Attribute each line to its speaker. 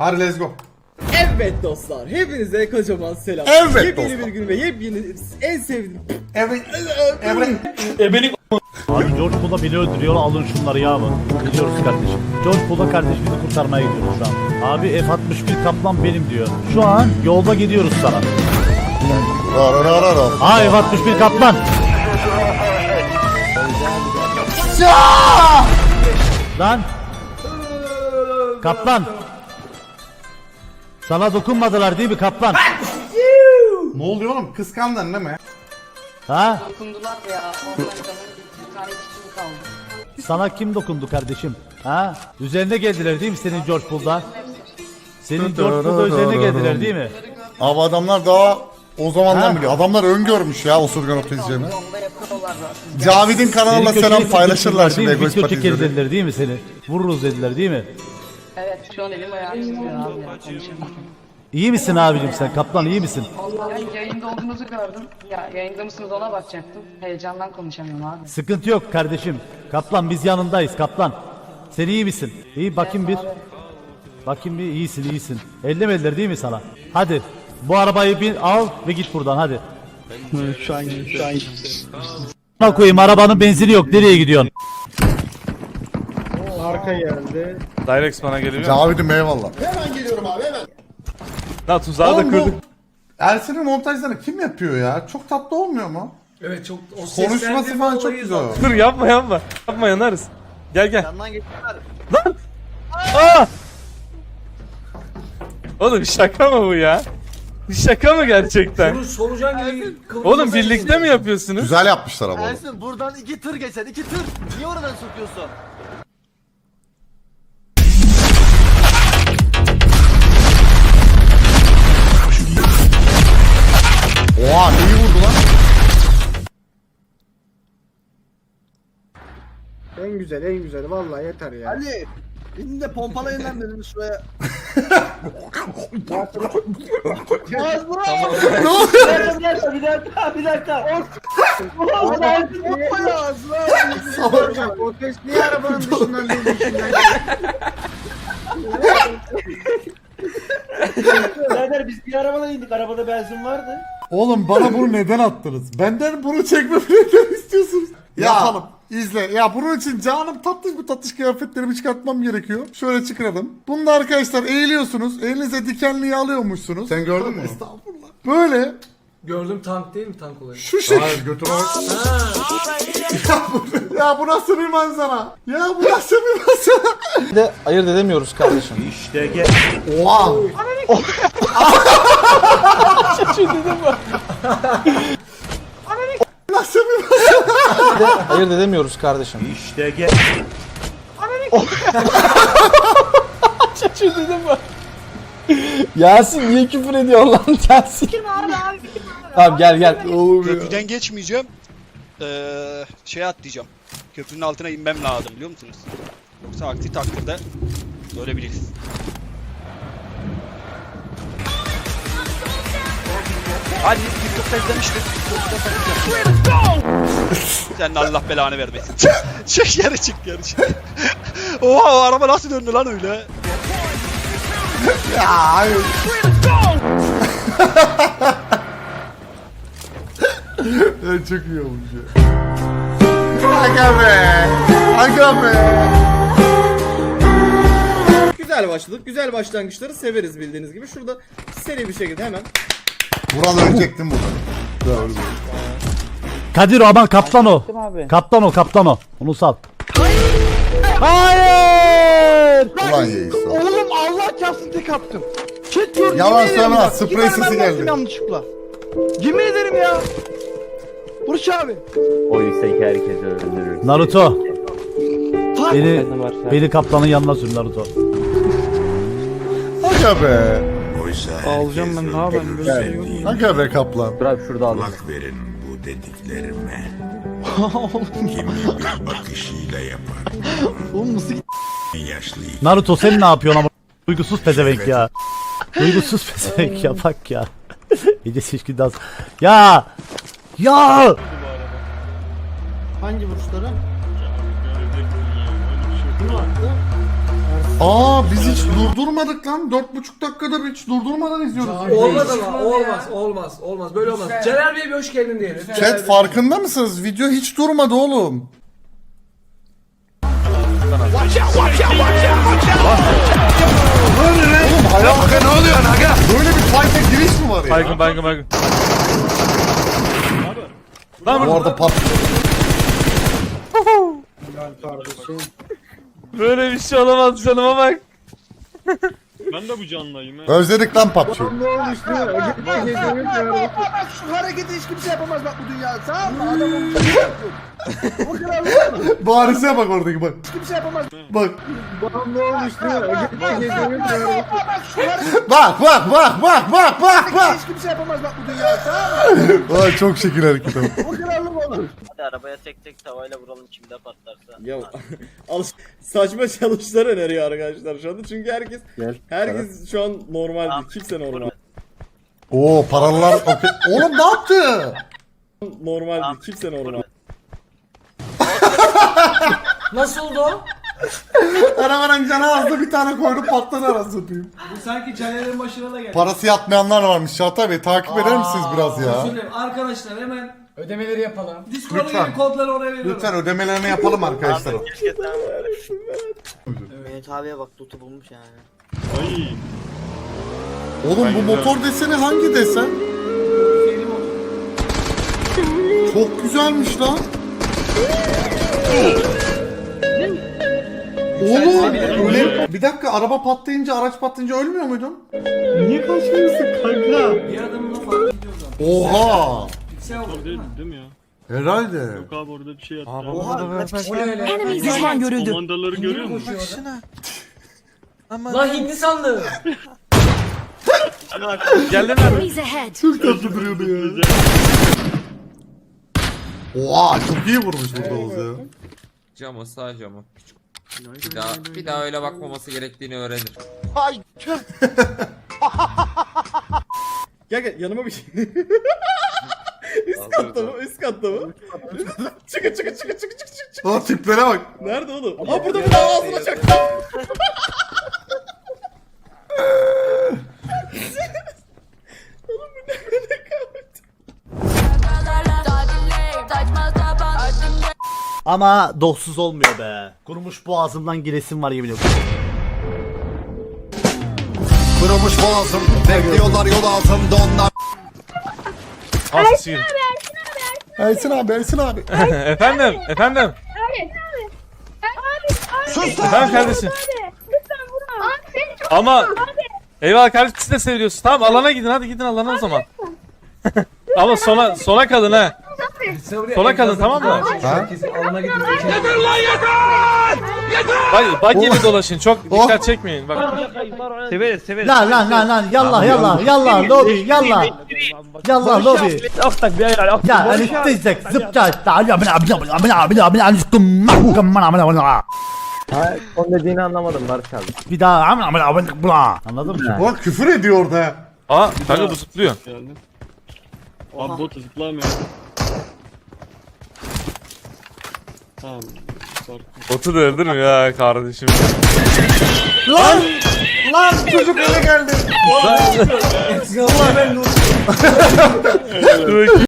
Speaker 1: Hadi let's go.
Speaker 2: Evet dostlar, hepinize kocaman selam.
Speaker 1: Evet
Speaker 2: yepyeni
Speaker 1: dostlar.
Speaker 2: bir gün ve yepyeni en sevdiğim.
Speaker 1: Evet.
Speaker 3: Abi George Bull'a beni öldürüyor, alın şunları ya mı? Gidiyoruz kardeşim. George Bull'a kardeşimizi kurtarmaya gidiyoruz şu an. Abi F-61 Kaplan benim diyor. Şu an yolda gidiyoruz sana. Aa F-61 Kaplan. Lan. Kaplan. Sana dokunmadılar değil mi Kaplan?
Speaker 1: Ne oluyor oğlum? Kıskandın değil mi?
Speaker 3: Ha?
Speaker 4: Dokundular ya. Ondan sonra bir tane kişi kaldı.
Speaker 3: Sana kim dokundu kardeşim? Ha? Üzerine geldiler değil mi senin George Bull'da? Senin George Bull'da üzerine geldiler değil mi?
Speaker 5: Abi adamlar daha o zamandan
Speaker 3: Ha?
Speaker 5: biliyor. Adamlar öngörmüş ya Osurgan Otizm'ini.
Speaker 4: Onda yapıyorlar zaten.
Speaker 5: Cavid'in kanalına
Speaker 3: Seni
Speaker 5: selam
Speaker 3: köşeye
Speaker 5: paylaşırlar
Speaker 3: sıkıştırdılar
Speaker 5: şimdi
Speaker 3: değil mi?
Speaker 5: Egoist
Speaker 3: Video çekeriz
Speaker 5: Patizleri.
Speaker 3: dediler değil mi seni? Vururuz dediler değil mi?
Speaker 4: Evet şu an elim ayağım titriyor abi ya. Konuşamıyorum.
Speaker 3: İyi misin abicim sen? Kaplan iyi misin?
Speaker 4: Yani yayında olduğunuzu gördüm. Ya yayında mısınız ona bakacaktım. Heyecandan konuşamıyorum abi.
Speaker 3: Sıkıntı yok kardeşim. Kaplan biz yanındayız Kaplan. Sen iyi misin? İyi bakayım bir. Bakayım bir iyisin. Ellemediler değil mi sana? Hadi bu arabayı bir al ve git buradan hadi.
Speaker 6: Şu an
Speaker 3: Buna koyayım arabanın benzini yok nereye gidiyorsun?
Speaker 2: Arka geldi.
Speaker 7: Direct bana geliyor.
Speaker 5: Cavid'im eyvallah.
Speaker 7: Ha tuzağı da
Speaker 1: Oğlum bu
Speaker 7: kırdık.
Speaker 1: Ersin'in montajlarını kim yapıyor ya? Çok tatlı olmuyor mu?
Speaker 2: Evet çok o
Speaker 1: Konuşması falan çok güzel.
Speaker 7: Dur yapma. Yapma yanarız. Gel.
Speaker 6: yandan geçtiler.
Speaker 7: Aa! Oğlum şaka mı bu ya? Şaka mı gerçekten?
Speaker 2: Solucan gibi
Speaker 7: Oğlum birlikte mi yapıyorsunuz?
Speaker 5: Güzel yapmışlar ama.
Speaker 6: Ersin buradan 2 tır geçer 2 tır. Niye oradan sokuyorsun?
Speaker 5: Oha iyi vurdu lan.
Speaker 2: En güzel vallahi yeter ya.
Speaker 6: Ali. İnin de pompalayın lan benim şuraya. Az bravo. Bir dakika. Ulan Ersin bomba ya ağzına.
Speaker 2: O ses niye arabanın dışından değil dışından
Speaker 8: Birader biz bir arabadan indik. Arabada benzin vardı.
Speaker 1: Oğlum bana bunu neden attınız? Benden bunu çekmemi neden istiyorsunuz? Yapalım. İzle. Ya bunun için canım tatlış kıyafetlerimi çıkartmam gerekiyor. Şöyle çıkaralım. Bunda arkadaşlar eğiliyorsunuz. Elinize dikenliği alıyormuşsunuz.
Speaker 5: Sen gördün mü?
Speaker 1: Estağfurullah. Böyle
Speaker 2: Gördüm tank değil mi tank olayı?
Speaker 1: şu şekilde. Ya bu nasıl bir manzara? Ya bu nasıl bir manzara?
Speaker 8: De ayırt edemiyoruz kardeşim.
Speaker 1: Oha. Nasıl bir manzara?
Speaker 8: De ayırt edemiyoruz kardeşim. Yasin niye küfür ediyor lan Yasin? Tamam gel.
Speaker 9: Köprüden geçmeyeceğim. Şeye atlayacağım. Köprünün altına inmem lazım biliyor musunuz? Yoksa aksi takdirde ölebiliriz. Hadi TikTok'ta izlemiştik. Sen de Allah belanı vermesin. Çık yarı çık. Oha o araba nasıl döndü lan öyle?
Speaker 1: Ya hayır. Çok iyi olmuş ya. Aga be. Aga be.
Speaker 2: Güzel başladık. Güzel başlangıçları severiz bildiğiniz gibi. Şurada seri bir şekilde hemen.
Speaker 5: Vural ölecektim burada.
Speaker 3: Kadir o aman kaplan o. Kaplan o. Onu sal. Hayır!
Speaker 5: Ulan yeğiz.
Speaker 6: Oğlum Allah çarpsın tek attım. Çet gördüm.
Speaker 5: Yalan söyleme, sprey sesi geldi.
Speaker 6: Yanlışlıkla. Yemin ederim ya. Burç abi.
Speaker 3: Naruto. Beni kaplanın yanına sür Naruto.
Speaker 5: Aga be.
Speaker 6: Ağlayacağım ben daha ben böyle şey yok.
Speaker 5: Aga be kaplan.
Speaker 10: Kulak verin bu dediklerime. Kimi bir bakışıyla yapar.
Speaker 6: Oğlum nasıl
Speaker 10: Yaşlı
Speaker 3: Naruto sen ne yapıyorsun ama? Duygusuz pezevenk ya. Duygusuz pezevenk ya bak ya. İyice şişkin dans. Ya!
Speaker 2: Hangi vuruşları?
Speaker 1: Aa biz hiç durdurmadık lan. 4,5 dakikada hiç durdurmadan izliyoruz.
Speaker 6: Olmaz ama olmaz böyle olmaz. Celal Bey bir hoş geldin diyelim.
Speaker 1: Chat farkında mısınız? Video hiç durmadı oğlum. Oğlum hayatımda ne oluyor aga? Böyle bir fight'e giriş mi var ya?
Speaker 7: Baygın. Lan
Speaker 5: Bu arada pat.
Speaker 7: böyle bir şey olamaz, canıma bak.
Speaker 5: Özledik lan PUBG'yi.
Speaker 6: Şu hareketi hiç kimse yapamaz bak bu dünyada. Tamam mı? Adam o kadar
Speaker 1: Baris'e bak oradaki bak.
Speaker 6: kimse yapamaz.
Speaker 1: Bak.
Speaker 6: Hiç kimse yapamaz bak bu dünyada. Tamam mı?
Speaker 1: Ay çok şekil hareket ama.
Speaker 6: O kadarlık olur.
Speaker 11: Hadi arabaya tek tavayla vuralım kimde patlarsa.
Speaker 2: Ya saçma challenge'lar öneriyor arkadaşlar şu anda çünkü herkes şu an normal değil. Kimse normal.
Speaker 1: Oo paralar okey. Oğlum ne yaptı?
Speaker 2: Normal değil. Kimse normal.
Speaker 6: Nasıl oldu o?
Speaker 1: Arabanın canı azdı bir tane koydu patladı arası satayım.
Speaker 6: Bu sanki Caner'in başına da geldi.
Speaker 1: Parası yatmayanlar varmış Çağatay Bey takip eder misiniz biraz ya?
Speaker 6: Arkadaşlar hemen ödemeleri yapalım.
Speaker 1: Lütfen.
Speaker 6: Discord'un kodları oraya veriyorum.
Speaker 1: Lütfen ödemelerini yapalım arkadaşlar.
Speaker 11: Keşke sen Mehmet abiye bak tutu bulmuş yani.
Speaker 1: Oğlum bu motor deseni hangi desen? Çok güzelmiş lan. Oğlum öyle... Bir dakika araba patlayınca araç patlayınca ölmüyor muydun?
Speaker 2: Niye kaçmıyorsun kanka?
Speaker 6: Bir adamın da fark ediyordu.
Speaker 1: Oha!
Speaker 6: Piksel oldu değil mi?
Speaker 1: Herhalde.
Speaker 10: Abi orada bir şey yaptı.
Speaker 6: O ne öyle?
Speaker 4: Düşman görüldü.
Speaker 10: Komandaları görüyor musun?
Speaker 6: Lan Hintli sandım.
Speaker 7: Geldin mi?
Speaker 4: Enemies ahead.
Speaker 1: Çok tatlı duruyordu ya. Oha çok iyi vurmuş burada Oğuz ya.
Speaker 12: Cama sağ cama. Bir daha öyle bakmaması gerektiğini öğrenir.
Speaker 2: Gel yanıma bir şey. Üst katta mı? Üst katta mı? Çıkın.
Speaker 1: Aa tiplere bak.
Speaker 2: Nerede oğlum? Ha burada ağzına çaktı.
Speaker 3: Ama doksuz olmuyor be. Kurumuş boğazımdan giresim var yemin ediyorum.
Speaker 5: Kırılmış boğazım. Bekliyorlar yol altında onlar.
Speaker 7: Asçıyım.
Speaker 1: Ersin abi.
Speaker 7: Efendim.
Speaker 5: Sus
Speaker 7: Efendim kardeşim. Ama eyvallah kardeşim siz de seviyorsunuz. Tamam alana gidin hadi gidin alana o zaman. Ama sona kalın ha. Sola kalın tamam mı?
Speaker 6: Herkesi alana gidin.
Speaker 7: Bak gibi dolaşın çok dikkat çekmeyin bak.
Speaker 3: Severiz. Lan yallah lobi yallah lobi. Ya anestezek zıpça.
Speaker 11: Son dediğini anlamadım Barış abi.
Speaker 3: Bir daha anladın mı?
Speaker 1: Bak küfür ediyor orada.
Speaker 7: Aa kanka bu zıplıyor.
Speaker 10: Abi bot zıplamıyor. Tamam.
Speaker 7: Botu da öldürmüyor ya kardeşim.
Speaker 1: Lan çocuk eve geldi.
Speaker 7: Dur